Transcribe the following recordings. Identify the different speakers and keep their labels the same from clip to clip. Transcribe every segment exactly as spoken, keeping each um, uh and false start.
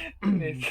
Speaker 1: Neyse.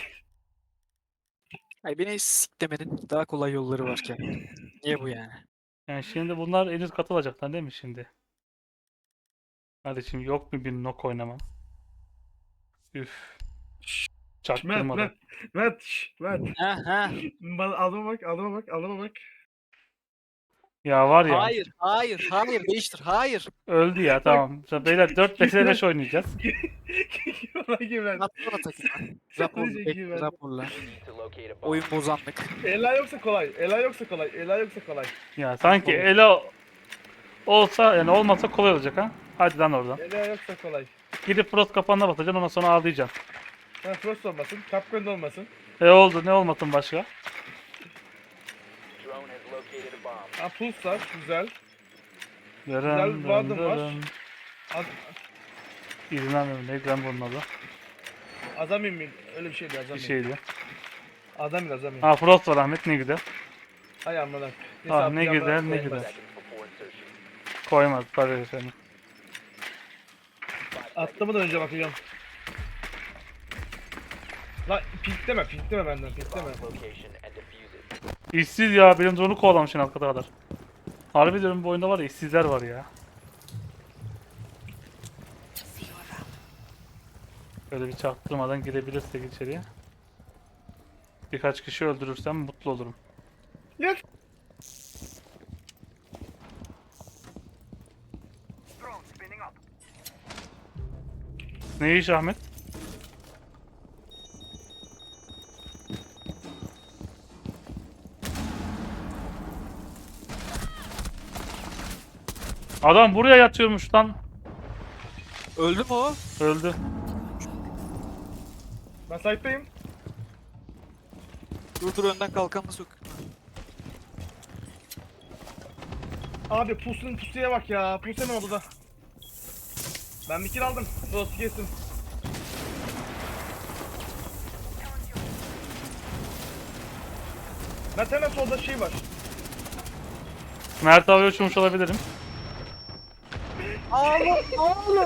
Speaker 2: Ay beni siklemenin daha kolay yolları varken. Niye bu yani?
Speaker 3: Yani şimdi bunlar en üst katılacaklar değil mi şimdi? Hadi şimdi yok mu bir nok oynama? Üf.
Speaker 1: Mert,
Speaker 3: Çaktırmadan.
Speaker 1: Mert, Mert, şş, Mert.
Speaker 2: Ha ha.
Speaker 1: Bana adıma bak, adıma bak, adıma bak.
Speaker 3: Ya var ya.
Speaker 2: Hayır, hayır, hayır değiştir. Hayır.
Speaker 3: Öldü ya
Speaker 1: Bak.
Speaker 3: tamam. Şimdi beyler dört beş beş oynayacağız.
Speaker 1: Bana güven.
Speaker 2: Atsana takımı. Rapor,
Speaker 1: Sadece
Speaker 2: bekle,
Speaker 1: güven.
Speaker 2: raporla. Oyun bozanlık.
Speaker 1: Ela yoksa kolay, Ela yoksa kolay, Ela yoksa kolay.
Speaker 3: Ya sanki Elo olsa yani olmasa kolay olacak ha. Hadi lan oradan.
Speaker 1: Ela yoksa kolay.
Speaker 3: Gidip Frost kapanına basacaksın ondan sonra ağlayacaksın.
Speaker 1: Ha, Frost olmasın, Capcom olmasın.
Speaker 3: E oldu ne olmasın başka?
Speaker 1: Ha, Pulse var, güzel.
Speaker 3: Dırın
Speaker 1: Güzel
Speaker 3: dırın
Speaker 1: vardım var.
Speaker 3: dırın.
Speaker 1: Az,
Speaker 3: İzin vermiyorum. Neydi lan bunun adı?
Speaker 1: Azamin mi? Öyle bir şeydi,
Speaker 3: Bir
Speaker 1: Azamin.
Speaker 3: şeydi.
Speaker 1: Azamin, Azamin.
Speaker 3: Ha Frost var Ahmet ne güzel.
Speaker 1: Hay amına.
Speaker 3: Ha ne güzel ne güzel. Koymaz tabii efendim.
Speaker 1: Atlamadan önce bakacağım. Lan pikleme, pikleme benden, pikleme.
Speaker 3: İşsiz ya benim drone'u kovalamışsın alt kata kadar. Harbi diyorum bu oyunda var ya işsizler var ya. Böyle bir çaktırmadan girebilirsek içeriye. Birkaç kişi öldürürsem mutlu olurum.
Speaker 1: Yes.
Speaker 3: Ne iş Ahmet? Adam buraya yatıyormuş lan.
Speaker 2: Öldü mü o?
Speaker 3: Öldü.
Speaker 1: Ben sahipteyim.
Speaker 2: Dur dur önden kalkanla sok.
Speaker 1: Abi pusunun pusuya bak ya. Puse ne oldu da? Ben bir kill aldım. Frost kesin. Ben hemen solda şey var.
Speaker 3: Mert abi uçmuş olabilirim.
Speaker 2: Ağla ağla.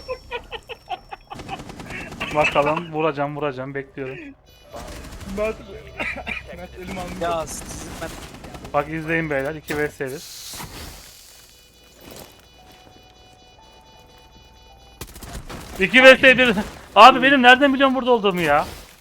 Speaker 3: Bakalım vuracağım vuracağım bekliyorum.
Speaker 1: Mert, Mert elim almış.
Speaker 2: Ya sizin ben
Speaker 3: Bak izleyin beyler iki vs bir. iki vs bir. Abi benim nereden biliyorum burada olduğumu ya?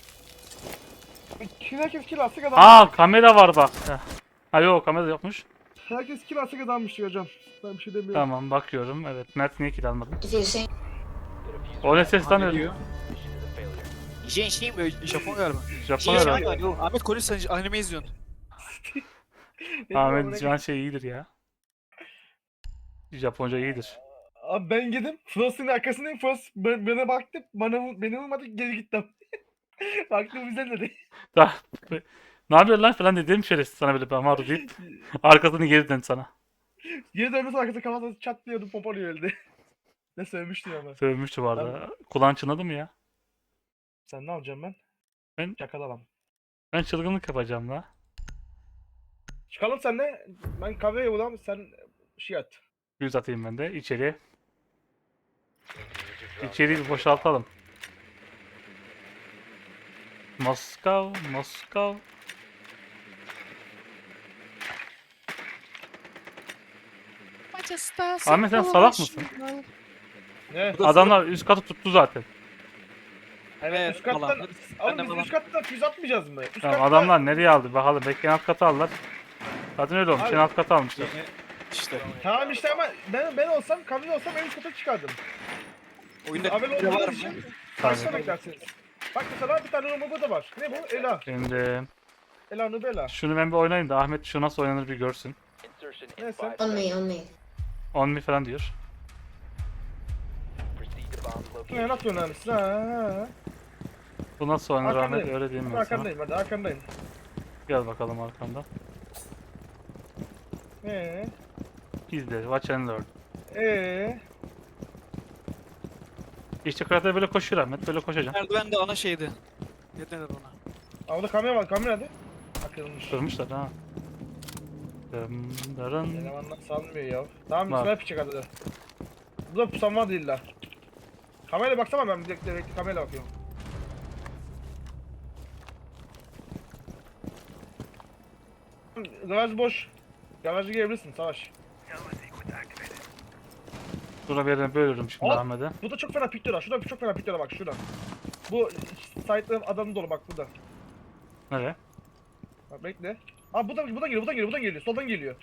Speaker 1: Kill herkes kill atsa kazanmış.
Speaker 3: Aa kamera var bak. Heh. Ha yok kamera yokmuş.
Speaker 1: Herkes kill atsa kazanmış hocam. Ben bir şey demiyorum.
Speaker 3: Tamam bakıyorum. Evet Mert niye kill almadın?
Speaker 4: If you're saying
Speaker 3: O ne ses lan öyle?
Speaker 2: diyor. Jen şey mi? Japon galiba.
Speaker 3: Japon
Speaker 2: Şey
Speaker 3: herhalde.
Speaker 2: galiba. Yok, Ahmet Kolis sen anime izliyorsun.
Speaker 1: Benim amına
Speaker 3: Ahmet Can şey iyidir ya. Japonca iyidir.
Speaker 1: Abi ben gittim. Frost'un arkasındayım. Frost ben- bana baktı. Bana beni vurmadı. Geri gittim. Baktım bizden dedi.
Speaker 3: Daha, ne yapıyorsun lan falan dedim şerefsiz sana böyle ben var deyip arkasını geri dön sana.
Speaker 1: Geri döndü sonra arkası kafasına çatlıyordu. Pompalıyor öldü. Ne sövmüştü ama.
Speaker 3: Sövmüştü bu arada. Kulağın çınladı mı ya?
Speaker 1: Sen ne yapacaksın ben?
Speaker 3: Ben-
Speaker 1: Çakal adam.
Speaker 3: Ben çılgınlık yapacağım la.
Speaker 1: Çıkalım senle. Ben kahveye ulan sen şey at.
Speaker 3: Yüz atayım ben de içeriye. İçeriği bir boşaltalım. Moskov, Moskov. Ahmet sen salak mısın?
Speaker 1: Ne?
Speaker 2: Bu da
Speaker 3: Adamlar üst katı tuttu zaten.
Speaker 1: Evet, üst kattan.
Speaker 2: falan. Ben
Speaker 1: Oğlum
Speaker 2: de
Speaker 1: biz
Speaker 2: falan.
Speaker 1: üst kattan füze atmayacağız mı? Üst
Speaker 3: Tamam
Speaker 1: katta-
Speaker 3: adamlar nereye aldı bakalım. Belki en alt katı aldılar. Zaten öyle olmuş. En
Speaker 1: Abi-
Speaker 3: alt katı almışlar.
Speaker 2: Yeni işte.
Speaker 1: Tamam işte ama ben ben olsam kahve olsam en üst kata çıkardım.
Speaker 2: Oyunda
Speaker 1: Haber
Speaker 2: bir var
Speaker 1: olmadığı
Speaker 2: mı?
Speaker 1: için
Speaker 3: Tabii.
Speaker 1: kaçta beklersiniz? Bak mesela bir tane Romobo da var. Ne bu? Ela.
Speaker 3: Şimdi
Speaker 1: Ela Nubela.
Speaker 3: şunu ben bir oynayayım da Ahmet şu nasıl oynanır bir görsün.
Speaker 1: Neyse.
Speaker 4: on me, on me.
Speaker 3: On me falan diyor.
Speaker 1: Ne nasıl önemlisi? Ha, ha.
Speaker 3: Bu nasıl oynanır Ahmet
Speaker 1: Arkandayım.
Speaker 3: öyle diyeyim ben sana.
Speaker 1: Arkandayım hadi arkandayım.
Speaker 3: Gel bakalım arkamda.
Speaker 1: Eee?
Speaker 3: İzle, watch and learn.
Speaker 1: Eee?
Speaker 3: İşte karakter böyle koşuyor Ahmet, böyle koşacağım.
Speaker 2: Merdiven de ana şeydi. Ne denir ona?
Speaker 1: Aa, orada kamera var kamera hadi. Akılmış.
Speaker 3: Kırmışlar ha. Dım, darın.
Speaker 1: Elemanlar sanmıyor ya. Tamam
Speaker 3: Var.
Speaker 1: sniper çık hadi. Bu da pusam var değil la. Kameraya baksana ben bir dakika bekle kameraya bakıyorum. Garaj boş. Garajı girebilirsin Savaş.
Speaker 3: Şuna bir yerden bölürüm şimdi
Speaker 1: Aa!
Speaker 3: Ahmet'e.
Speaker 1: Bu da çok fena pikliyor. Şurada çok fena pikliyor bak şurada. Bu site'ların adamı dolu bak burada.
Speaker 3: Nereye?
Speaker 1: Bak bekle. Aa bu da bu da geliyor, bu da geliyor, bu da geliyor. Soldan geliyor.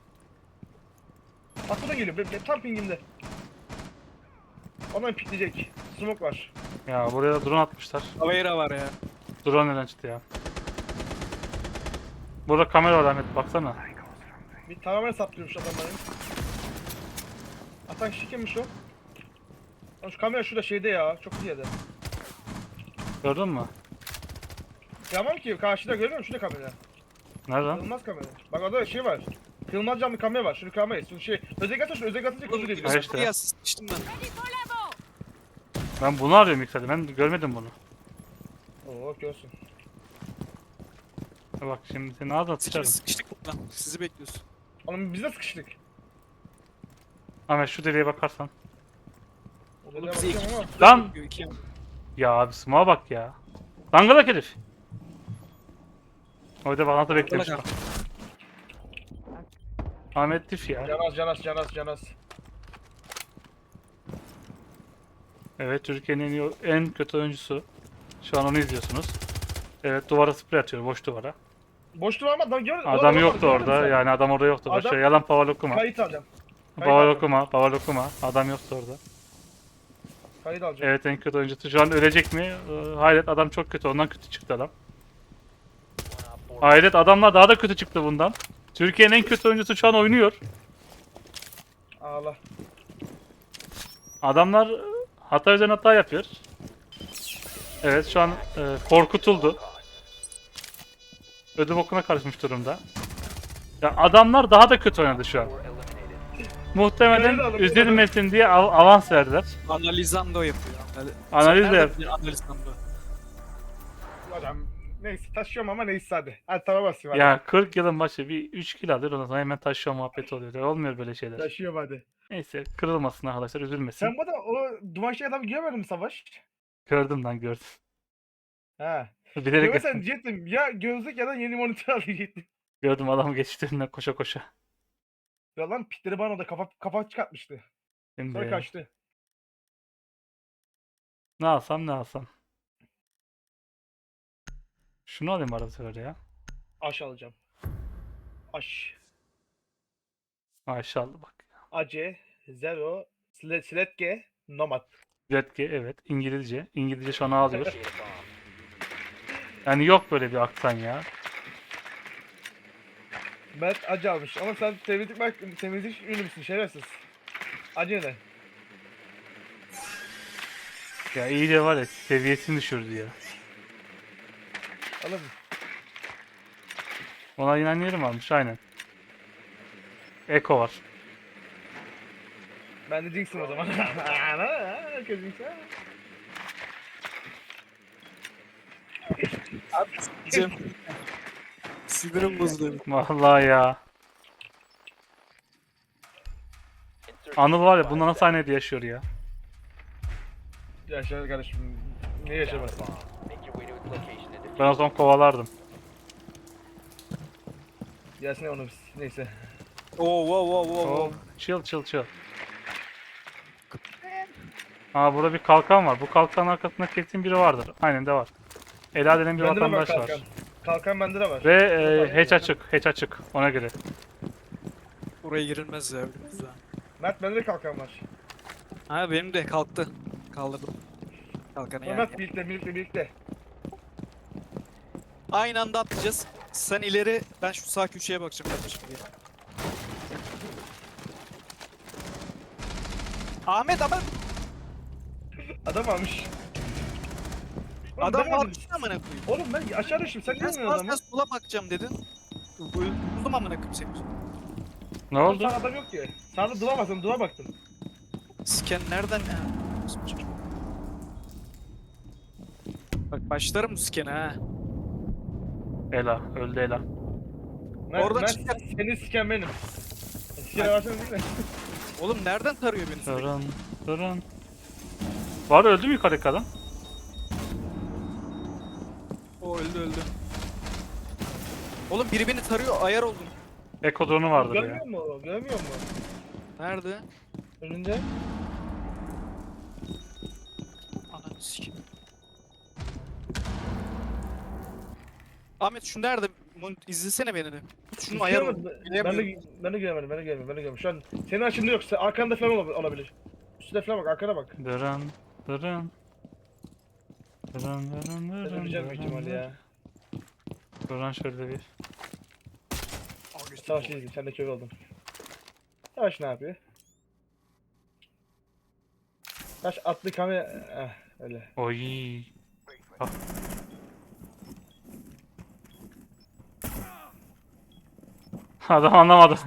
Speaker 1: Bak bu da geliyor. Be, be, tam pingimde. Ondan pikleyecek. Smoke var.
Speaker 3: Ya buraya da drone atmışlar.
Speaker 2: Avera var ya.
Speaker 3: Drone neden çıktı ya? Burada kamera var Ahmet baksana.
Speaker 1: Bir tamamen saplıyormuş adamların. Atan kişi kimmiş o? Lan şu kamera şurada şeyde ya. Çok iyi yerde.
Speaker 3: Gördün mü?
Speaker 1: Tamam ki karşıda görüyor musun? Şurada kamera.
Speaker 3: Nereden?
Speaker 1: Kırılmaz kamera. Bak orada şey var. Kırılmaz camlı kamera var. Şunu kamerayı. Şunu şey. Özel atınca özel atınca
Speaker 2: Oğlum,
Speaker 1: kuzu
Speaker 3: Ha
Speaker 1: diyor.
Speaker 3: işte.
Speaker 2: Ya sıçtım ben.
Speaker 3: Ben bunu arıyorum ilk dedim. Ben görmedim bunu.
Speaker 1: Oo görsün.
Speaker 3: Bak şimdi seni ağzına
Speaker 2: Sıçtık
Speaker 3: sıçarım.
Speaker 2: sıkıştık buradan. Sizi bekliyoruz.
Speaker 1: Oğlum biz de sıkıştık.
Speaker 3: Ahmet şu deliğe bakarsan.
Speaker 1: O
Speaker 2: Oğlum
Speaker 1: deliğe
Speaker 2: bizi iki
Speaker 1: bakıyorum ama.
Speaker 3: Lan!
Speaker 2: bekliyor, iki yan.
Speaker 3: Ya abi smoke'a bak ya. Dangalak herif. Orada bağlantı beklemiş.
Speaker 2: Dangalak
Speaker 3: Ahmet Tif ya.
Speaker 1: Canas canas canas canas.
Speaker 3: Evet Türkiye'nin en, iyi, en kötü oyuncusu. Şu an onu izliyorsunuz. Evet duvara sprey atıyor boş duvara.
Speaker 1: Boş durma adam gör.
Speaker 3: Adam yoktu orada yani adam orada yoktu. Boş
Speaker 1: Adam-
Speaker 3: ver, yalan paval okuma.
Speaker 1: Kayıt alacağım. Kayıt
Speaker 3: Paval
Speaker 1: alacağım.
Speaker 3: okuma, paval okuma. Adam yoktu orada.
Speaker 1: Kayıt alacağım.
Speaker 3: Evet en kötü oyuncusu. Şu an ölecek mi? Ee, hayret adam çok kötü. Ondan kötü çıktı adam. Hayret adamlar daha da kötü çıktı bundan. Türkiye'nin en kötü oyuncusu şu an oynuyor.
Speaker 1: Ağla.
Speaker 3: Adamlar e, hata üzerine hata yapıyor. Evet şu an e, korkutuldu. Ödüm okuna karışmış durumda. Ya adamlar daha da kötü oynadı şu an. Muhtemelen üzülmesin diye av- avans verdiler.
Speaker 2: Analizando yapıyor. Anali-
Speaker 3: Analiz
Speaker 2: Sen
Speaker 3: de
Speaker 2: nereden
Speaker 3: yap-
Speaker 2: biliyorsun Analizando.
Speaker 1: Adam neyse taşıyorum ama neyse hadi. Hadi tamam basayım hadi.
Speaker 3: Ya kırk yılın başı bir üç kill alır ondan sonra hemen taşıyor muhabbeti oluyor. Olmuyor böyle şeyler.
Speaker 1: Taşıyorum hadi.
Speaker 3: Neyse kırılmasın arkadaşlar üzülmesin.
Speaker 1: Sen bu da o duman şey adamı görmedin mi Savaş?
Speaker 3: Gördüm lan gördüm.
Speaker 1: He.
Speaker 3: Bilerek
Speaker 1: Görmesen diyecektim ya gözlük ya da yeni monitör alacaktım.
Speaker 3: gördüm adam geçti önüne koşa koşa.
Speaker 1: Ya lan pitleri bana da kafa kafa çıkartmıştı. Sonra
Speaker 3: Şimdi
Speaker 1: kaçtı.
Speaker 3: ne alsam ne alsam. Şunu alayım arada sefer ya.
Speaker 1: Aş alacağım. Aş.
Speaker 3: Maşallah bak.
Speaker 1: Ace, Zero, Sle- Sletke, Nomad.
Speaker 3: Redke evet İngilizce. İngilizce şu an ağlıyor. Yani yok böyle bir aksan ya.
Speaker 1: Mert acı almış ama sen temizlik bak temizlik ünlü müsün şerefsiz. Acı ne?
Speaker 3: Ya iyice var ya seviyesini düşürdü ya.
Speaker 1: Oğlum
Speaker 3: Ona inanıyorum almış aynen. Eko var.
Speaker 1: ben de Jinx'im o zaman. Herkes Jinx ha.
Speaker 2: Cem. Sinirim bozuldu.
Speaker 3: Vallahi ya. Anıl var ya bundan sahnede yaşıyor ya.
Speaker 1: Yaşar kardeşim. Ne yaşamaz?
Speaker 3: Ben o zaman kovalardım.
Speaker 1: Gelsin onu biz. Neyse.
Speaker 2: Oo wow wow wow
Speaker 3: Oh,
Speaker 2: wow.
Speaker 3: chill chill chill. Aa burada bir kalkan var. Bu kalkanın arkasında kesin biri vardır. Aynen de var. Ela denen bir
Speaker 1: Bende de var
Speaker 3: vatandaş var.
Speaker 1: kalkan. Kalkan bende de var.
Speaker 3: Ve e, hatch açık, hatch açık. Ona göre.
Speaker 2: Buraya girilmez ya. bilmez ya.
Speaker 1: Mert bende de kalkan var.
Speaker 2: Ha benim de kalktı. Kaldırdım. Kalkanı yani.
Speaker 1: Mert birlikte birlikte birlikte.
Speaker 2: Aynı anda atlayacağız. Sen ileri, ben şu sağ köşeye bakacağım kardeşim diye. Ahmet ama
Speaker 1: Adam almış. Oğlum
Speaker 2: adam
Speaker 1: ben
Speaker 2: var
Speaker 1: aldım.
Speaker 2: amına koyayım.
Speaker 1: Oğlum ben aşağı düştüm. Sen
Speaker 2: Ben
Speaker 1: niye
Speaker 2: sağ
Speaker 1: vuruyorsun adamı?
Speaker 2: sağ sola bakacağım dedin. Buldum amına koyayım seni.
Speaker 3: Ne
Speaker 1: Oğlum
Speaker 3: oldu?
Speaker 1: Sağ adam yok ki. Sağda dura baktım, dura baktım.
Speaker 2: Scan nereden ya? Bak başlarım bu scan'e ha.
Speaker 3: Ela, öldü Ela.
Speaker 1: Mert,
Speaker 2: Oradan
Speaker 1: Mert,
Speaker 2: çıkar.
Speaker 1: seni siken benim. Sikene versene değil mi?
Speaker 2: Oğlum nereden tarıyor beni sürekli?
Speaker 3: Durun, durun. Var öldü mü yukarıdaki adam?
Speaker 2: O öldü öldü. Oğlum biri beni tarıyor, ayar oldum.
Speaker 3: Eko drone'u vardır ya.
Speaker 1: Görmüyor mu? Görmüyor mu?
Speaker 2: Nerede?
Speaker 1: Önünde.
Speaker 2: Ananı sikeyim. Ahmet şu nerede? Mon- İzlesene beni de. Şunun ayar
Speaker 1: Göremedim.
Speaker 2: oldum.
Speaker 1: Ben de,
Speaker 2: Bilemiyorum.
Speaker 1: ben de göremedim, ben de göremedim, ben de göremedim. Şu an senin açında yoksa arkanda falan olab- olabilir. Üstüne falan bak, arkana bak.
Speaker 3: Dırın dırın. Dırın dırın
Speaker 1: Ben
Speaker 3: dırın
Speaker 1: öleceğim büyük
Speaker 3: dırın
Speaker 1: ihtimalle
Speaker 3: dırın.
Speaker 1: ya.
Speaker 3: Duran şöyle bir.
Speaker 1: Savaş izleyeyim, sen de kör oldun. Savaş ne yapıyor? Taş atlı kamera... Eh, öyle.
Speaker 3: Oy. Ah. Adam anlamadı.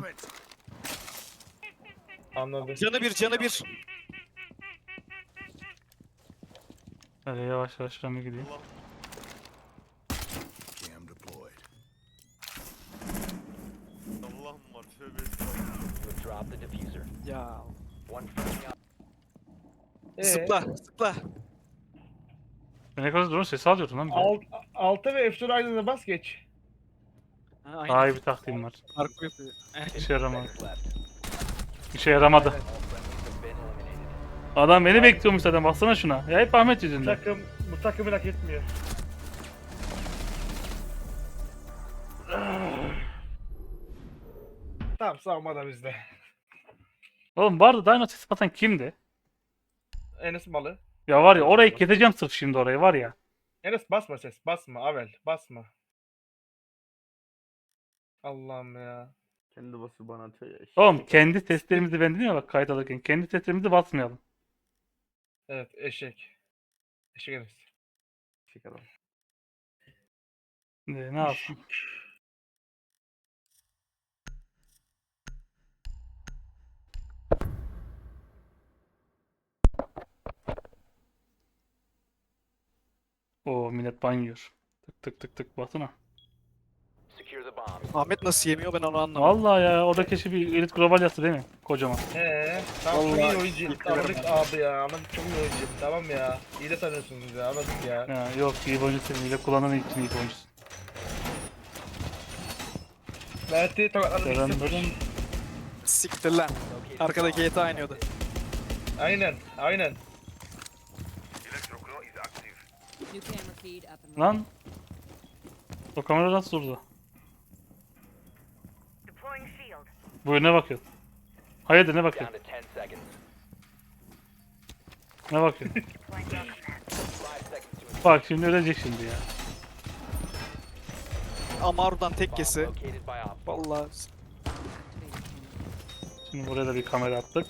Speaker 1: Anladım.
Speaker 2: Canı bir, canı bir.
Speaker 3: Hadi yavaş yavaş şuraya gideyim.
Speaker 4: Cam deployed.
Speaker 5: Allah'ım var tövbe estağfurullah.
Speaker 6: Drop the diffuser.
Speaker 2: Ya.
Speaker 6: One friendly op-
Speaker 1: Ee,
Speaker 2: Zıpla, zıpla.
Speaker 3: Ben ne kadar drone sesi alıyordum lan bir de.
Speaker 1: alt, alta ve F dört aynı anda bas geç.
Speaker 2: Ha, aynen.
Speaker 3: Daha iyi bir taktiğim var.
Speaker 2: Parkur yapıyor. Eh,
Speaker 3: İşe yaramadı.
Speaker 6: seconds left.
Speaker 3: İşe yaramadı.
Speaker 6: All friendlies have been eliminated.
Speaker 3: Adam beni bekliyormuş zaten baksana şuna. Ya hep Ahmet
Speaker 1: Bu
Speaker 3: yüzünden.
Speaker 1: takım, bu takımı hak etmiyor. Tamam, savunma da bizde.
Speaker 3: Oğlum vardı Dino sesi atan kimdi?
Speaker 1: Enes malı.
Speaker 3: Ya var ya orayı keseceğim sırf şimdi orayı var ya.
Speaker 1: Enes basma ses, basma Avel, basma. Allah'ım ya.
Speaker 7: Kendi basıyor bana atıyor ya.
Speaker 3: Oğlum kendi testlerimizi ben dedim ya bak kayıt alırken. Kendi testlerimizi basmayalım.
Speaker 1: Evet, eşek. Eşek Enes.
Speaker 7: Eşek adam.
Speaker 3: Ne, ne yapsın? Oo millet banyor. Tık tık tık tık basına.
Speaker 6: Secure the bombs.
Speaker 2: Ahmet nasıl yemiyor ben onu anlamadım.
Speaker 3: Vallahi ya orada keşke bir elit global yazsa değil mi? Kocaman.
Speaker 1: Eee, tamam çok iyi
Speaker 2: Vallahi
Speaker 1: oyuncuyum.
Speaker 2: ilk
Speaker 1: Anladık
Speaker 2: göremedim.
Speaker 1: abi ya, anladık çok iyi oyuncuyum. Tamam ya. İyi de tanıyorsunuz ya, anladık ya.
Speaker 3: Ya yok iyi bir oyuncusun. İyi de kullanan için iyi bir oyuncusun.
Speaker 1: Mert'i tokatladım.
Speaker 3: Dırın
Speaker 1: bir sıfır.
Speaker 3: dırın.
Speaker 2: Siktir lan. Arkada G T A oynuyordu.
Speaker 1: Aynen, aynen.
Speaker 8: New camera feed up and running.
Speaker 3: Lan. O kamera nasıl durdu?
Speaker 8: Deploying shield.
Speaker 3: Buyur ne bakıyorsun? Hayırdır ne
Speaker 6: Down
Speaker 3: bakıyorsun?
Speaker 6: to ten seconds.
Speaker 3: Ne bakıyorsun?
Speaker 6: Five seconds to
Speaker 3: Bak şimdi ölecek şimdi ya.
Speaker 2: Amaru'dan
Speaker 6: bomb
Speaker 2: tekkesi.
Speaker 6: located by op.
Speaker 2: Vallahi.
Speaker 3: Şimdi buraya da bir kamera attık.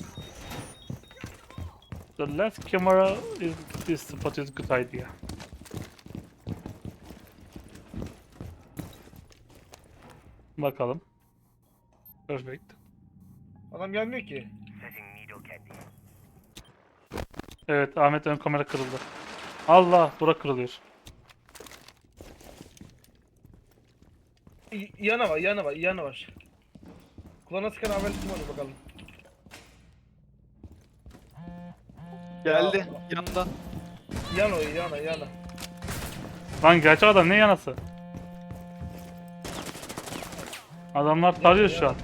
Speaker 3: The last camera is this spot is good idea. Bakalım. Perfect.
Speaker 1: Adam gelmiyor ki.
Speaker 3: Evet Ahmet ön kamera kırıldı. Allah bura kırılıyor.
Speaker 1: Y- yana var, yana var, yana var. Kulağına sıkan Avel kim olur bakalım.
Speaker 2: Geldi yanından.
Speaker 1: Yana o, yana, yana.
Speaker 3: Lan gerçek adam ne yanası? Adamlar tarıyor şu an.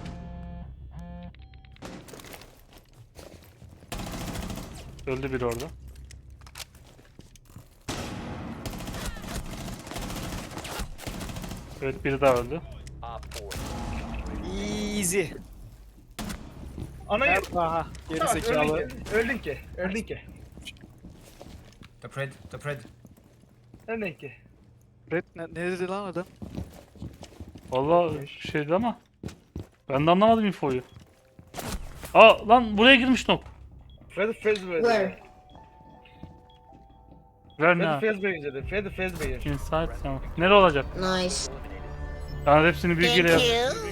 Speaker 3: Öldü biri orada. Evet biri daha öldü.
Speaker 6: Op four.
Speaker 2: Easy.
Speaker 1: Ana yer.
Speaker 2: Nerede? Aha. Geri
Speaker 1: Tamam,
Speaker 2: zekalı.
Speaker 1: öldün ki, öldün ki, öldün ki.
Speaker 9: The pred, the pred.
Speaker 1: Öldün ki.
Speaker 2: Red ne, ne dedi lan adam?
Speaker 3: Vallahi şeydi ama ben de anlamadım infoyu. Aa lan buraya girmiş nok.
Speaker 1: Freddy Fazbear.
Speaker 8: Where?
Speaker 3: Ver ne?
Speaker 1: Freddy Fazbear dedi. Freddy Fazbear.
Speaker 3: Inside tamam. Nere olacak?
Speaker 8: Nice.
Speaker 3: Yani hepsini bilgiyle yaz.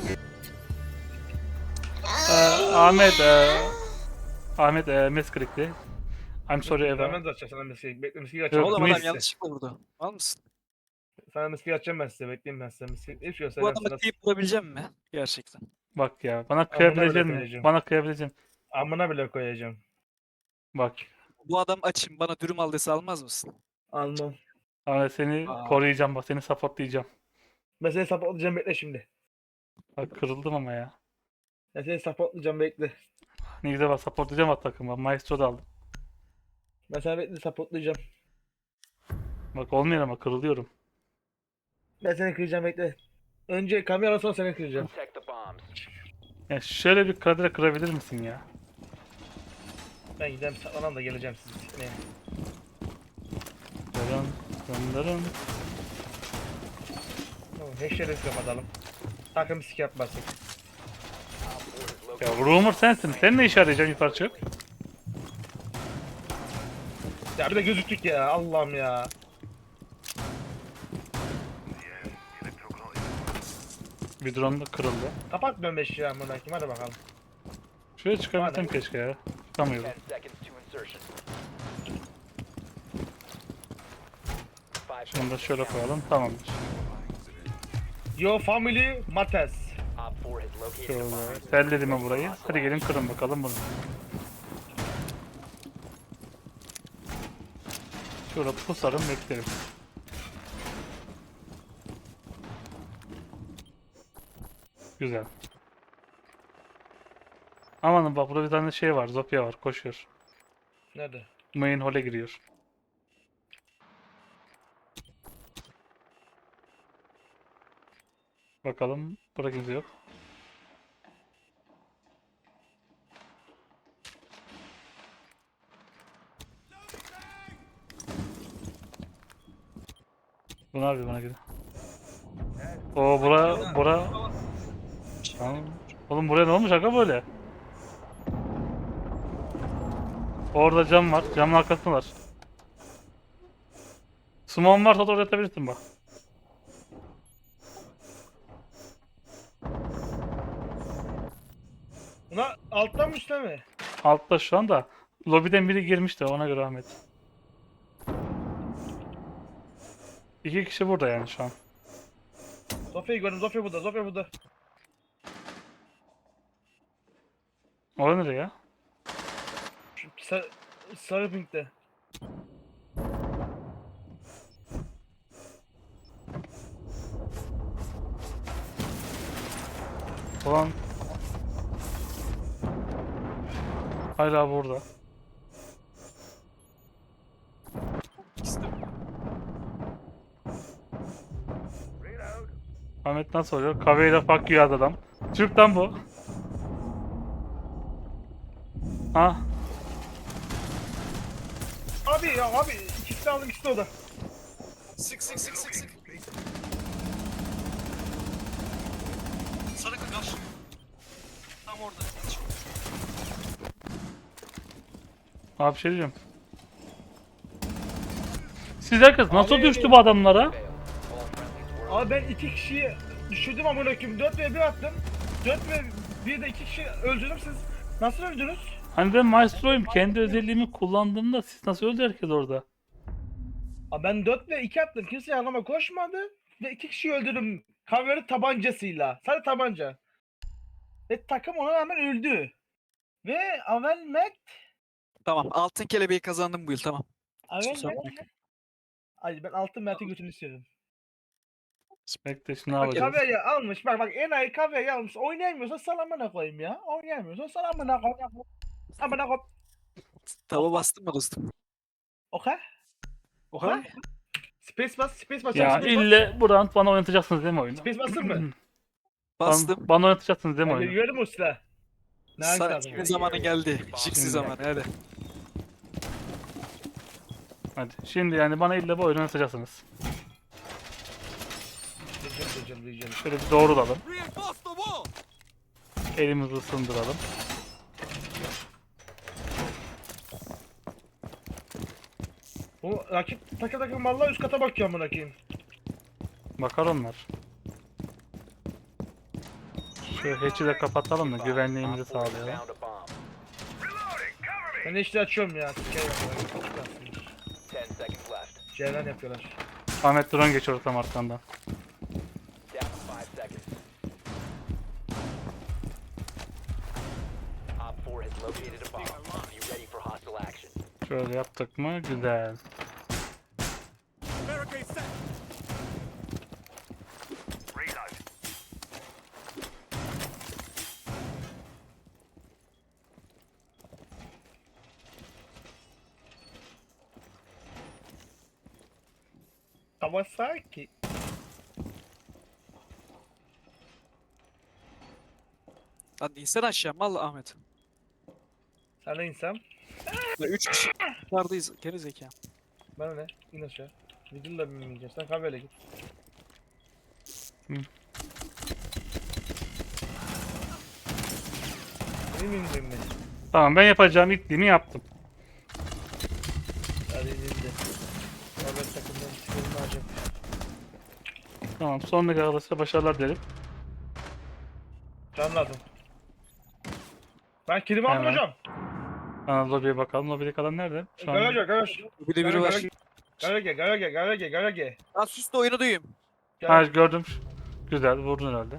Speaker 3: Ee, Ahmet e, Ahmet e, misklikti. I'm sorry Eva.
Speaker 1: Ben de açacağım sana miskiyi. Bekle miskiyi
Speaker 3: Yok,
Speaker 1: açacağım.
Speaker 2: Oğlum adam
Speaker 3: neyse.
Speaker 2: yanlışlıkla vurdu. Al mısın?
Speaker 1: Sana miskiyi açacağım ben size. Bekleyin ben size miskiyi. Hiç yok
Speaker 2: Bu
Speaker 1: selam
Speaker 2: adamı
Speaker 1: sana.
Speaker 2: teyip vurabileceğim mi? Gerçekten.
Speaker 3: Bak ya bana kıyabilecek
Speaker 1: bile
Speaker 3: mi?
Speaker 1: koyacağım.
Speaker 3: Bana kıyabilecek misin?
Speaker 1: Amına bile koyacağım.
Speaker 3: Bak.
Speaker 2: Bu adam açım bana dürüm al dese almaz mısın?
Speaker 1: Almam.
Speaker 3: Ahmet seni
Speaker 2: Aa.
Speaker 3: koruyacağım bak seni supportlayacağım.
Speaker 1: Ben seni supportlayacağım bekle şimdi.
Speaker 3: Bak kırıldım ama ya.
Speaker 1: Ben seni supportlayacağım bekle.
Speaker 3: Ne güzel bak supportlayacağım at takımı. Maestro da aldım.
Speaker 1: Ben seni bekle supportlayacağım.
Speaker 3: Bak olmuyor ama kırılıyorum.
Speaker 1: Ben seni kıracağım bekle. Önce kamera sonra seni kıracağım.
Speaker 6: Protect the bombs.
Speaker 3: Ya şöyle bir kadere kırabilir misin ya?
Speaker 1: Ben gideceğim saklanam da geleceğim sizi sikmeye.
Speaker 3: Dırın, dırın.
Speaker 1: Tamam, heşleri kapatalım. Takım sik yapmasın.
Speaker 6: Op four has
Speaker 3: Ya
Speaker 6: located.
Speaker 3: rumor sensin. Sen ne işe arayacaksın yukarı çık?
Speaker 1: Ya bir de gözüktük ya Allah'ım ya.
Speaker 3: Bir drone da kırıldı.
Speaker 1: Kapat ben beş ya amına koyayım hadi bakalım.
Speaker 3: Şuraya çıkabilsem keşke ya. Çıkamıyorum.
Speaker 6: Ten seconds to insertion. Five
Speaker 3: Şunu da
Speaker 6: seconds
Speaker 3: şöyle
Speaker 6: to count.
Speaker 3: koyalım. Tamamdır.
Speaker 1: Your family matters.
Speaker 6: Op four has located a
Speaker 3: Şöyle
Speaker 6: bomb.
Speaker 3: terledim mi burayı? Hadi gelin kırın bakalım bunu. Şöyle pusarım beklerim. Güzel. Amanın bak burada bir tane şey var. Zopya var. Koşuyor.
Speaker 1: Nerede?
Speaker 3: Main hall'e giriyor. Bakalım. Burada kimse yok. Bu ne yapıyor bana göre? Oo bura bura. Tamam. Oğlum buraya ne olmuş aga böyle? Orada cam var. Camın arkasında var. Sumon varsa da oraya atabilirsin bak.
Speaker 1: Buna alttan mı üstte mi?
Speaker 3: Altta şu anda. Lobiden biri girmiş de ona göre Ahmet. İki kişi burada yani şu an.
Speaker 1: Zofya'yı gördüm Zofya burada Zofya burada.
Speaker 3: O nereye ya?
Speaker 1: Şu sarı, sarı pinkte.
Speaker 3: Ulan. Hala burada. Ahmet nasıl oluyor? Kahveyle fuck you yaz adam. Türk'ten bu. Ha?
Speaker 1: Abi ya abi ikisi de aldım ikisi de orada.
Speaker 2: Sık sık sık sık sık. Sarı kakar. Tam orada.
Speaker 3: Abi bir şey diyeceğim. Siz herkes nasıl
Speaker 1: Abi-
Speaker 3: düştü bu adamlara?
Speaker 6: Failed. All friendlies were
Speaker 1: Abi ben iki kişiyi düşürdüm amına koyayım. dört ve bir attım. dört ve bir de iki kişi öldürdüm siz. Nasıl öldünüz?
Speaker 3: Hani ben maestroyum. Kendi özelliğimi kullandığımda siz nasıl öldü herkes orada?
Speaker 1: Abi ben dört ve iki attım. Kimse yanıma koşmadı. Ve iki kişiyi öldürdüm. Kaveri tabancasıyla. Sadece tabanca. Ve takım ona rağmen öldü. Ve Avel Mac
Speaker 2: Tamam, altın kelebeği kazandım bu yıl, tamam.
Speaker 1: Avel
Speaker 2: Kusura
Speaker 1: Mac
Speaker 2: bakma.
Speaker 1: Ay ben altın Mert'e götünü istiyorum.
Speaker 3: Bekle şimdi ne
Speaker 1: Bak
Speaker 3: yapacağız?
Speaker 1: Kave'yi almış. Bak bak enayi Kave'yi almış. Oynayamıyorsa sal amına koyayım ya. Oynayamıyorsa sal amına koyayım. Amına koyayım.
Speaker 2: Tava bastın mı dostum?
Speaker 1: Okey.
Speaker 2: Oha.
Speaker 1: Space bas, space bas.
Speaker 3: Ya
Speaker 1: space bas.
Speaker 3: ille bu round bana oynatacaksınız değil mi oyunu?
Speaker 1: Space bastın mı?
Speaker 2: Bastım.
Speaker 3: Bana, bana oynatacaksınız değil mi
Speaker 1: Ben
Speaker 3: oyunu?
Speaker 1: görüyorum o silah. Ne hangisi
Speaker 2: Sa-
Speaker 1: lazım?
Speaker 2: Senin zamanın geldi. Şiksi
Speaker 3: Şimdi.
Speaker 2: zamanı, hadi.
Speaker 3: Hadi. Şimdi yani bana ille bu oyunu oynatacaksınız.
Speaker 1: Diyeceğim, diyeceğim, diyeceğim.
Speaker 3: Şöyle bir doğrulalım. Elimizi ısındıralım.
Speaker 1: Bu rakip takı takım vallahi üst kata bakıyor amına koyayım.
Speaker 3: Bakar onlar. Şu hatch'i de kapatalım da güvenliğimizi
Speaker 6: Op four has
Speaker 3: sağlayalım.
Speaker 6: found a bomb.
Speaker 1: Ben de işte açıyorum ya. Sikeyim yapıyorlar.
Speaker 6: Ten seconds left.
Speaker 1: Ceylan yapıyorlar.
Speaker 3: Ahmet drone geçiyor tam arkandan.
Speaker 6: Down to five seconds. Op four has located a bomb. Be ready for hostile action.
Speaker 3: Şöyle yaptık mı? Güzel.
Speaker 1: Kawasaki.
Speaker 2: Lan insan aşağı mal Ahmet.
Speaker 1: Sen de insan.
Speaker 2: Ya üç kişi dışarıdayız. Geri zeka.
Speaker 1: Bana ne? İn aşağı. Vidilla binmeyeceğim. Sen kahveyle git.
Speaker 3: Hı.
Speaker 1: Benim indim ben.
Speaker 3: Tamam ben yapacağım itliğimi yaptım.
Speaker 1: Hadi indi. Kahve takımdan çıkıyorum acaba.
Speaker 3: Tamam sonraki arkadaşlar başarılar dilerim.
Speaker 1: Can lazım. Ben kilimi aldım
Speaker 3: Hemen.
Speaker 1: hocam.
Speaker 3: Ana lobiye bakalım. Lobide kalan nerede? Şu an
Speaker 1: Garaj var garaj.
Speaker 2: Bir de biri var.
Speaker 1: Garage garage garage garage.
Speaker 2: Lan sus da oyunu duyayım.
Speaker 3: ha, gördüm. Güzel vurdun herhalde.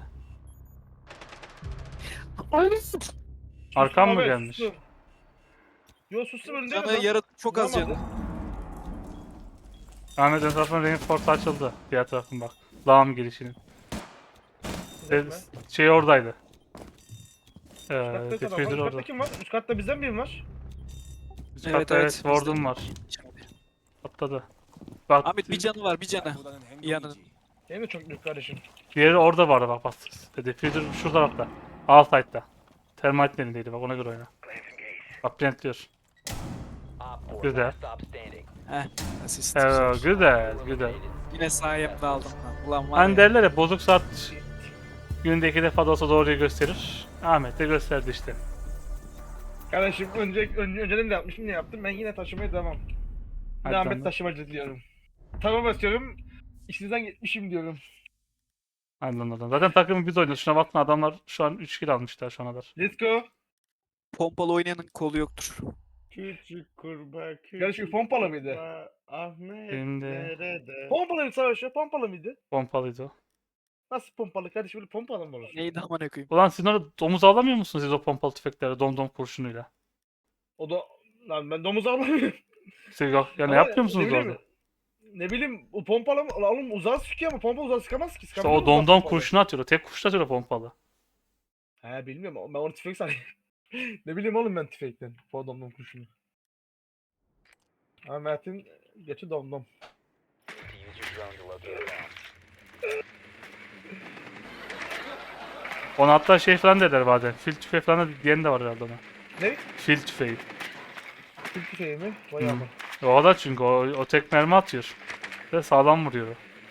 Speaker 3: Arkam mı gelmiş?
Speaker 1: Yo sustum önünde.
Speaker 2: Canı yarı çok az canı.
Speaker 3: Ahmet ön tarafın reinforce açıldı. Diğer tarafın bak. Lağım girişinin. E, şey oradaydı. Ee, Defuser orada.
Speaker 1: Üst katta kim var? Üst katta bizden biri var.
Speaker 3: Üst
Speaker 2: Evet,
Speaker 3: katta
Speaker 2: evet,
Speaker 3: evet,
Speaker 2: bizde.
Speaker 3: Warden var. Atladı. Bak
Speaker 2: Ahmet bir canı var bir canı. Yanının.
Speaker 1: Benim de çok büyük kardeşim.
Speaker 3: diğeri orada vardı bak bak. Defuser şu tarafta. Alt side'da. Termite elindeydi bak ona göre oyna. Bak plantliyor.
Speaker 6: Op four,
Speaker 3: Güzel.
Speaker 6: last stop standing.
Speaker 2: Heh. Asist.
Speaker 3: Evet güzel güzel.
Speaker 2: Yine sayemde aldım. Lan. Ulan var
Speaker 3: Hani
Speaker 2: ya.
Speaker 3: derler ya bozuk saat günde iki defa da olsa doğruyu gösterir. Ahmet de gösterdi işte.
Speaker 1: Kardeşim önce, önce önceden de yapmışım ne yaptım ben yine taşımaya devam.
Speaker 3: Hadi
Speaker 1: Ahmet
Speaker 3: lan.
Speaker 1: taşımacı diyorum. Tamam istiyorum. İşinizden gitmişim diyorum.
Speaker 3: Anladım. Zaten takımı biz oynuyoruz. Şuna bakma adamlar şu an üç kill almışlar şu ana kadar.
Speaker 1: Let's go.
Speaker 2: Pompalı oynayanın kolu yoktur.
Speaker 7: Küçük kurbağa küçük
Speaker 1: Kardeşim pompalı mıydı?
Speaker 7: kurbağa, Ahmet
Speaker 3: Benim de-
Speaker 7: nerede?
Speaker 1: Pompalı mı savaşı? Pompalı mıydı?
Speaker 3: Pompalıydı o.
Speaker 1: Nasıl pompalı kardeşim böyle pompalı mı olur?
Speaker 2: Neydi amına koyayım?
Speaker 3: Ulan siz orada domuz avlamıyor musunuz siz o pompalı tüfeklerle domdom kurşunuyla?
Speaker 1: O da lan ben domuz avlamıyorum.
Speaker 3: Siz yok yani
Speaker 1: Ama
Speaker 3: yapmıyor musunuz
Speaker 1: ne bileyim,
Speaker 3: orada?
Speaker 1: Ne bileyim o pompalı mı? Ulan oğlum uzağa sıkıyor ama pompalı uzağa sıkamaz ki.
Speaker 3: İşte
Speaker 1: Sıkabilir mi
Speaker 3: o
Speaker 1: uzağa
Speaker 3: domdom
Speaker 1: pompalı?
Speaker 3: kurşunu atıyor. O tek kurşun atıyor o pompalı.
Speaker 1: He bilmiyorum ben onu tüfek sanıyorum. Ne bileyim oğlum ben tüfekten. O domdom kurşunu. Ama Mert'in geçi domdom.
Speaker 6: To use your drone to locate a bomb.
Speaker 3: Ona hatta şey falan derler bazen. Fil tüfeği falan da diyen de var herhalde ona.
Speaker 1: Ne?
Speaker 3: Fil tüfeği.
Speaker 1: Fil tüfeği mi? Vay
Speaker 3: Hı.
Speaker 1: aman.
Speaker 3: O da çünkü o, o tek mermi atıyor. Ve sağlam vuruyor. o.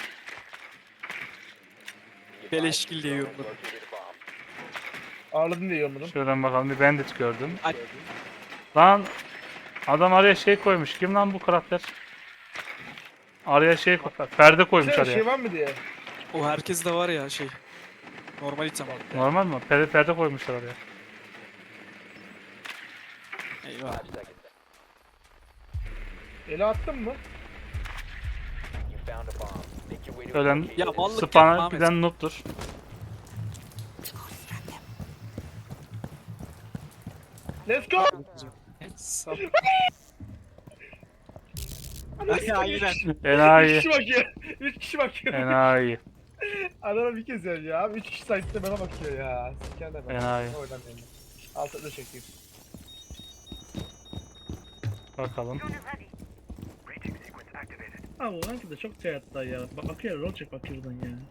Speaker 2: Beleşkil diye yorumladım.
Speaker 6: Located a bomb.
Speaker 1: Ağladın diye yorumladım.
Speaker 3: Şuradan bakalım bir bandit gördüm.
Speaker 2: Ay.
Speaker 3: Lan adam araya şey koymuş. Kim lan bu karakter? Araya şey koy- perde koymuş
Speaker 1: Şey,
Speaker 3: araya.
Speaker 1: şey var mı diye.
Speaker 2: O herkes de var ya şey. Normal item.
Speaker 3: Normal mi? Perde, perde koymuşlar oraya.
Speaker 2: Eyvah.
Speaker 6: Five seconds.
Speaker 1: Ele attın mı?
Speaker 6: You found a bomb. Make your way to
Speaker 3: Ölen
Speaker 6: a location
Speaker 2: Ya
Speaker 6: and
Speaker 2: mallık yapma
Speaker 3: Spana
Speaker 2: Ahmet.
Speaker 3: giden noob'dur.
Speaker 1: Let's go!
Speaker 2: Sap.
Speaker 1: Ay,
Speaker 2: Aynen.
Speaker 1: Üç
Speaker 3: Enayi.
Speaker 1: kişi bakıyor. Üç kişi bakıyor.
Speaker 3: Enayi.
Speaker 1: Adana bir kez ya abi. Üç kişi site'de bana bakıyor ya. Sikerler bana.
Speaker 3: Enayi.
Speaker 1: Oradan yani. Altı çekeyim.
Speaker 3: Bakalım.
Speaker 1: Abi o ranki de çok hayatta ya. Bak bakıyor rol çek bakıyor buradan ya.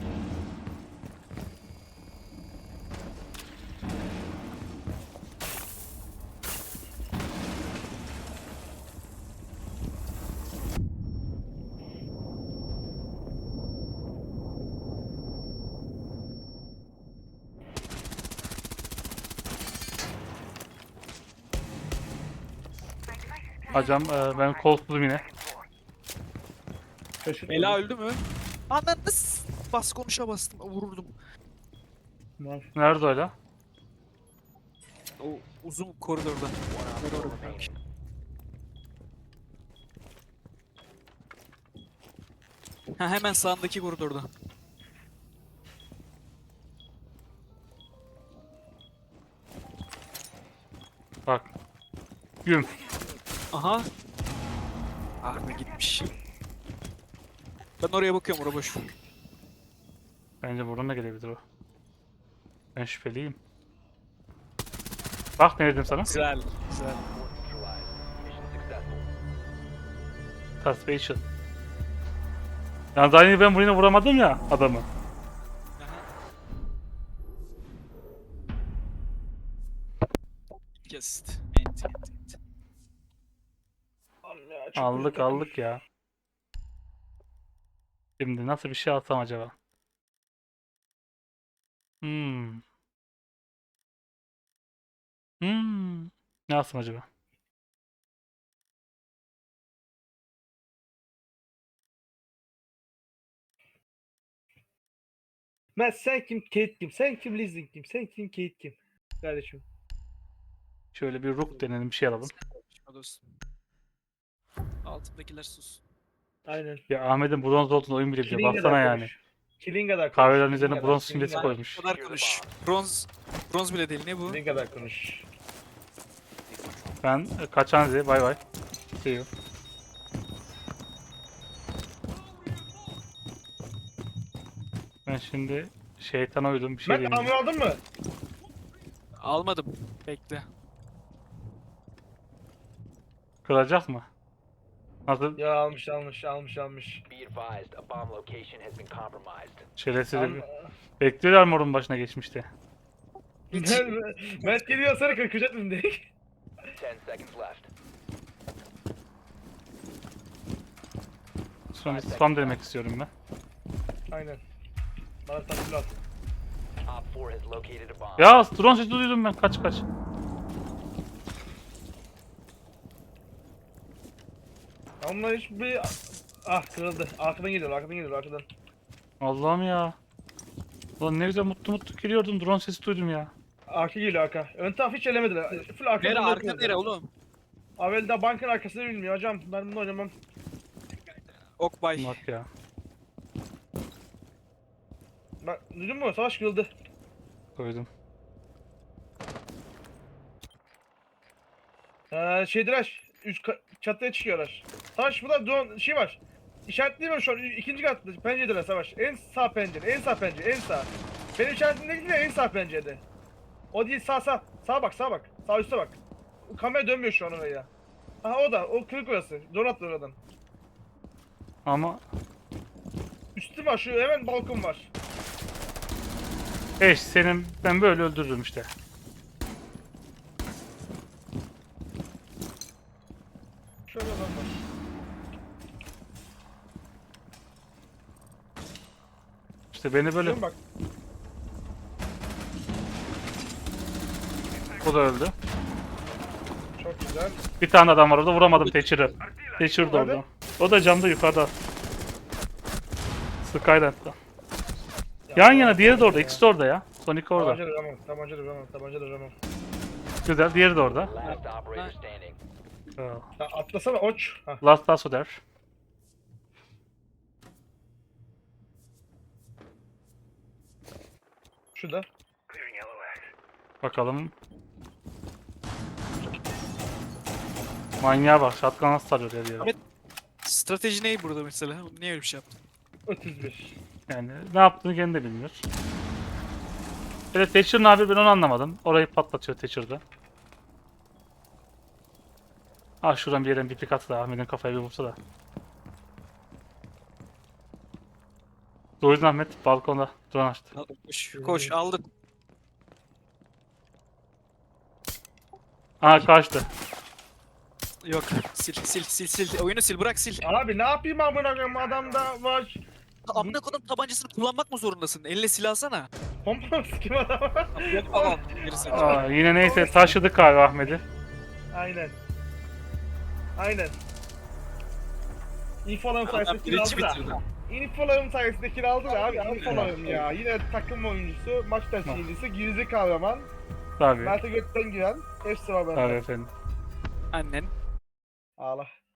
Speaker 3: Hocam e, ben kolsuzum yine.
Speaker 2: Ela öldü mü? Anladın. Bas konuşa bastım. Vururdum.
Speaker 3: Nerede öyle?
Speaker 2: O uzun koridorda. Koridorda. Ha hemen sağındaki koridorda.
Speaker 3: Bak. Güm.
Speaker 2: Aha. Ah be gitmiş. Ben oraya bakıyorum oraya boş.
Speaker 3: Bence buradan da gelebilir o. Ben şüpheliyim. Bak ne dedim sana?
Speaker 2: Güzel. Güzel.
Speaker 6: neutralized. Mission successful.
Speaker 3: Suspicion. Yani aynı ben buraya vuramadım ya adamı.
Speaker 2: Aha. İki asist. Ent, ent, ent.
Speaker 1: Allah'ım ya, çok
Speaker 3: Aldık
Speaker 1: kötü takım.
Speaker 3: aldık ya. Şimdi nasıl bir şey alsam acaba? Hmm. Hmm. Ne alsam acaba?
Speaker 1: Ben sen kim, Kate kim? Sen kim, Lizzie kim? Sen kim, Kate kim? Kardeşim.
Speaker 3: Şöyle bir rook denelim bir şey alalım.
Speaker 2: Konuşma dostum. Altındakiler sus.
Speaker 1: Aynen.
Speaker 3: Ya Ahmet'in bronz olduğunu oyun bile biliyor.
Speaker 1: Kilinga'da
Speaker 3: Baksana yani.
Speaker 1: konuş. Kilinga'da konuş.
Speaker 3: Kahvelerin üzerine
Speaker 1: Kilinga'da,
Speaker 3: bronz simgesi
Speaker 1: Kilinga'da.
Speaker 3: koymuş.
Speaker 2: Bu kadar konuş. Bronz. Bronz bile değil. Ne bu?
Speaker 1: Kilinga'da konuş.
Speaker 3: Ben e, kaçan Z. Bay bay. See you. Ben şimdi şeytana uydum bir şey
Speaker 1: Mert
Speaker 3: diyeyim.
Speaker 1: amir aldın mı?
Speaker 2: Almadım. Bekle.
Speaker 3: Kıracak mı? Nasıl?
Speaker 1: Ya almış almış almış almış.
Speaker 6: Be advised, a bomb location has been compromised.
Speaker 3: Şerefsiz
Speaker 1: Al-
Speaker 3: bir... Bekliyorlar morun başına geçmişti.
Speaker 1: Mert, Mert geliyor sana kırkacak mı direkt?
Speaker 6: Ten seconds left.
Speaker 3: Sonra bir spam denemek istiyorum ben.
Speaker 1: Aynen. Bana tatlı at.
Speaker 6: Op four has located a bomb.
Speaker 3: Ya drone sesi duydum ben. Kaç kaç.
Speaker 1: Onlar hiçbir... Ah kırıldı. Arkadan geliyor, arkadan geliyor, arkadan.
Speaker 3: Allah'ım ya. Ulan ne güzel mutlu mutlu giriyordum. Drone sesi duydum ya.
Speaker 1: Arka geliyor arka. Ön taraf hiç elemediler. Full arkadan.
Speaker 2: Nere? Arka
Speaker 1: bakıyordu.
Speaker 2: nere oğlum?
Speaker 1: Avel de bankın arkasını bilmiyor hocam. Ben bunu oynamam.
Speaker 2: Okbay.
Speaker 3: Bak ya.
Speaker 1: Bak duydun mu? Savaş kırıldı.
Speaker 3: Koydum.
Speaker 1: Ee, şeydiler. Üst ka- çatıya çıkıyorlar. Savaş burada drone şey var. İşaretleyeyim mi şu an? İkinci katta penceredeler Savaş. En sağ pencere, en sağ pencere, en sağ. Benim işaretimdeki de en sağ pencerede. O değil sağ sağ. Sağa bak sağa bak. Sağ üstte bak. Kamera dönmüyor şu an oraya. Aha o da. O kırık orası. Drone attı oradan.
Speaker 3: Ama
Speaker 1: Üstü var şu hemen balkon var.
Speaker 3: eş senin ben böyle öldürürüm işte.
Speaker 1: Şöyle adam var.
Speaker 3: İşte beni böyle
Speaker 1: Şuna bak.
Speaker 3: o da öldü.
Speaker 1: Çok güzel.
Speaker 3: Bir tane adam var orada vuramadım Thatcher'ı. Thatcher da
Speaker 1: Nerede?
Speaker 3: orada. O da camda yukarıda. Skylight'ta. Yan yana diğeri de orada. İkisi de orada ya. Sonic orada.
Speaker 1: Tabanca da ramam, tabanca da ramam, tabanca da ramam.
Speaker 3: Güzel. Diğeri de orada.
Speaker 6: Last operator standing.
Speaker 3: Aa,
Speaker 1: Ya atlasana oç. Hah.
Speaker 3: Last Last der.
Speaker 1: Şurada.
Speaker 3: Bakalım. Manyağa bak. Shotgun nasıl sarıyor her yere.
Speaker 2: Evet. Strateji ne burada mesela? Niye öyle bir şey yaptın?
Speaker 1: otuz bir.
Speaker 3: Yani ne yaptığını kendi de bilmiyor. Evet Thatcher ne yapıyor ben onu anlamadım. Orayı patlatıyor Thatcher'da. Ah şuradan bir yerden bir pik atsa da Ahmet'in kafaya bir vursa da. Duydun Ahmet balkonda drone açtı.
Speaker 2: Al, Koş, koş aldın.
Speaker 3: Aha kaçtı.
Speaker 2: Yok sil sil sil sil. Oyunu sil bırak sil.
Speaker 1: Abi ne yapayım amına koyayım adamda var.
Speaker 2: Amına kodum tabancasını kullanmak mı zorundasın? Eline silah alsana.
Speaker 1: Pompa sikim adama.
Speaker 2: Yok tamam. Gerisi.
Speaker 3: Aa, yine neyse taşıdık galiba Ahmet'i.
Speaker 1: Aynen. Aynen. İnfolarım sayesinde kill
Speaker 2: Birinci
Speaker 1: aldı da.
Speaker 2: bitirdi. İnfolarım sayesinde kill aldı da abi.
Speaker 1: İnfolarım ya. Yine takım oyuncusu, maç temsilcisi, gizli kahraman.
Speaker 3: Tabii.
Speaker 1: Mert'e götten giren. Hepsi var
Speaker 3: Tabii
Speaker 1: bende.
Speaker 3: efendim.
Speaker 2: Annen.
Speaker 1: Ağla.